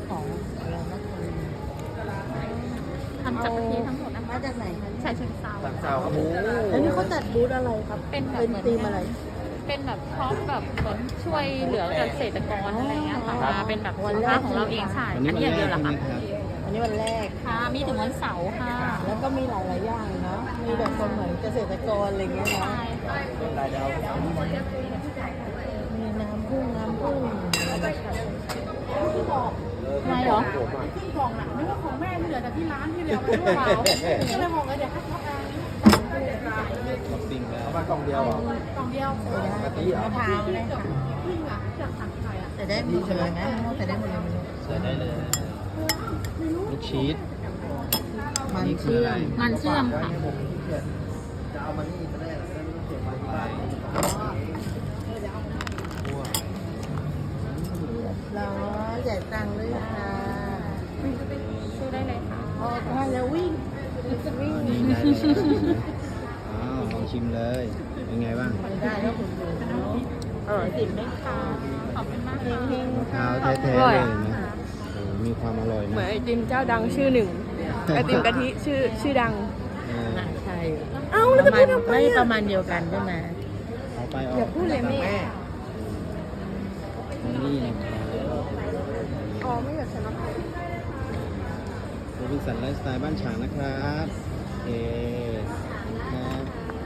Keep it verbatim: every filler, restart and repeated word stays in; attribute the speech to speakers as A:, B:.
A: ของอะไรนะคือ
B: ทำจากกะทิทั้งหมดนะคะ
A: มาจากไหนคะ
B: ใช่เชิงเซา
C: ทางเจ้าครับผม
A: แล้วนี่เขาจัดบูธอะไรครับ
B: เป็นแบบ
A: เป็น
B: เหมือน
A: ธีมอะไร
B: เป็นแบบพร้อมแบบเหมือนช่วยเหลือเกษตรกรอะไรเงี้ยค่ะมาเป็นแบบสินค้าของเราเองใช่อันนี้อย่างเดียวเหรอคะ
A: อันนี้วันแรก
B: ค่ะมีถึงวันเสาร์ค่ะ
A: แล้วก็มีหลายๆอย่างเนาะมีแบบคนเหมือนเกษตรกรอะไรเงี้ยเนาะ
B: ใช่ค่ะ
C: รายดาว
A: มีน้ำผึ้งน้ำผึ้ง
B: ไม่เหรอ
D: ที่กล่องน่ะนึกว่าของแม่ที่เหลือแต่ที่ร้านที่เหลือไปด้วยเปล่าก็เลยบอกว่าเดี๋ยวให้เขาเอา
C: บ็อกซิ่งแล้วมากล่องเดียวเหรอก
D: ล่องเดียว
C: กะทิเหรอ
A: มะพร้าวเลยค่ะ
D: พึ่งอ่ะจากสั่งใครอ่ะ
A: แต่ได้หมดเลยไหมแต่ได้หมดเลยไหม
C: ใส่ได้เลยลูกชีส
A: มันเชื่อม
B: มันเชื่อมค่ะ
C: จะเอามานี่ก็ได้แล้วก็เก็บมาที่บ้าน
A: แล้วจ่ายตังค์ด้วยค่ะ
B: ช่วยได้เลยค่ะ
A: พอทานแล้ววิ่งวิ่ง
C: นี่ได้เลยอ้าวลองชิมเลย เป็นไงบ้าง
A: ได้แล้วคุณดูเออติดไหมคะ
B: ขอบคุณมากค่ะ
A: เฮง
C: มะ
A: ๆ
C: พร้า
A: ค่ะ
C: วแท้ๆเลยนะโอ้มีความอร่อย
D: เหมือน
C: นะ
D: ไอติมเจ้าดังชื่อหนึ่งไอติมกะทิชื่อชื่อดัง
C: เออ
A: น่าใช่
D: เอ้าแล้วจะพูดทำไม
A: ไม่
D: อะ
A: ประมาณเดียวกันใช่ไหม
C: เอาไปอ
D: อย่า
C: อก
D: พูดเลยแม่
C: นี่นะครับ
D: อ๋อไม่อยากใส่มะพร้าว
C: โรบินสันไลฟ์สไตล์บ้านฉางนะครับโอเคครับ